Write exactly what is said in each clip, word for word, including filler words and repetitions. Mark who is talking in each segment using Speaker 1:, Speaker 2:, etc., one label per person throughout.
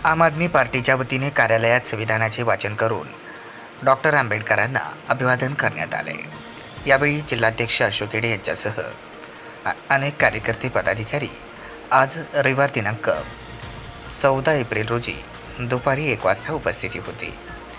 Speaker 1: आम आदमी पार्टीच्या वतीने कार्यालयात संविधानाचे वाचन करून डॉक्टर आंबेडकरांना अभिवादन करण्यात आले। यावेळी जिल्हाध्यक्ष अशोक येडे यांच्यासह अनेक कार्यकर्ते पदाधिकारी आज रविवार दिनांक चौदा एप्रिल रोजी दुपारी एक वाजता उपस्थिती होती।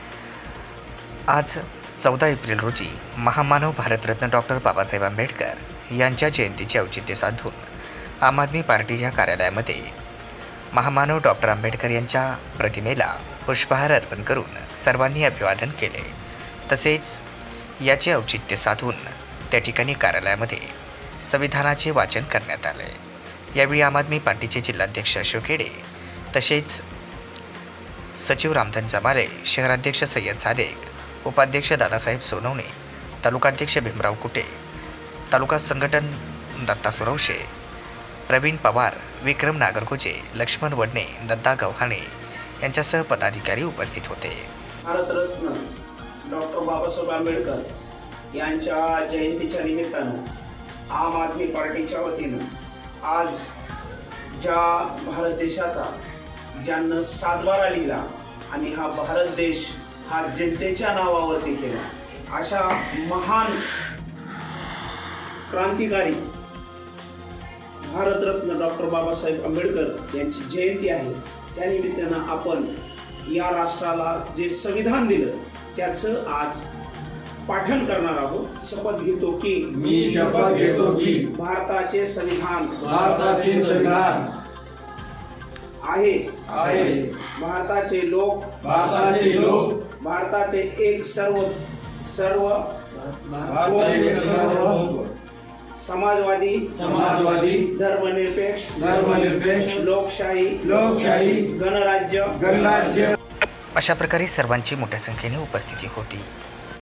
Speaker 1: आज चौदा एप्रिल रोजी महामानव भारतरत्न डॉक्टर बाबासाहेब आंबेडकर यांच्या जयंतीचे औचित्य साधून आम आदमी पार्टीच्या कार्यालयामध्ये महामानव डॉक्टर आंबेडकर यांच्या प्रतिमेला पुष्पहार अर्पण करून सर्वांनी अभिवादन केले। तसेच याचे औचित्य साधून त्या ठिकाणी कार्यालयामध्ये संविधानाचे वाचन करण्यात आले। यावेळी आम आदमी पार्टीचे जिल्हाध्यक्ष अशोक येडे तसेच सचिव रामधन जमाले, शहराध्यक्ष सय्यद सादेक, उपाध्यक्ष दादासाहेब सोनवणे, तालुकाध्यक्ष भीमराव कुटे, तालुका संघटन दत्ता सुरवशे, प्रवीण पवार, विक्रम नागरगोजे, लक्ष्मण वडणे, दत्ता गव्हाणे यांच्यासह पदाधिकारी उपस्थित होते।
Speaker 2: भारतरत्न डॉक्टर बाबासाहेब आंबेडकर यांच्या जयंतीच्या निमित्तानं आम आदमी पार्टीच्या वतीनं आज ज्या भारत देशाचा ज्यांना सातबारा लिहिला आणि हा भारत देश हा जनतेच्या नावावरती केला, अशा महान क्रांतिकारी भारतरत्न डॉक्टर बाबासाहेब आंबेडकर यांची जयंती आहे। त्यानिमित्तानं आपण या राष्ट्राला जे संविधान दिलं त्याचं आज पाठन करणार आहोत। शपथ घेतो की
Speaker 3: मी शपथ घेतो की
Speaker 2: भारताचे संविधान
Speaker 3: भारताचे संविधान
Speaker 2: आहे
Speaker 3: आहे
Speaker 2: भारताचे लोक
Speaker 3: भारताचे लोक
Speaker 2: भारताचे एक सर्व सर्व
Speaker 3: भारताचे सर्व
Speaker 2: समाजवादी
Speaker 3: समाजवादी
Speaker 2: धर्मनिरपेक्ष
Speaker 3: धर्मनिरपेक्ष
Speaker 2: लोकशाही
Speaker 3: लोकशाही
Speaker 2: गणराज्य
Speaker 3: गणराज्य
Speaker 1: अशा प्रकारे सर्वांची मोठ्या संख्येने उपस्थिती होती।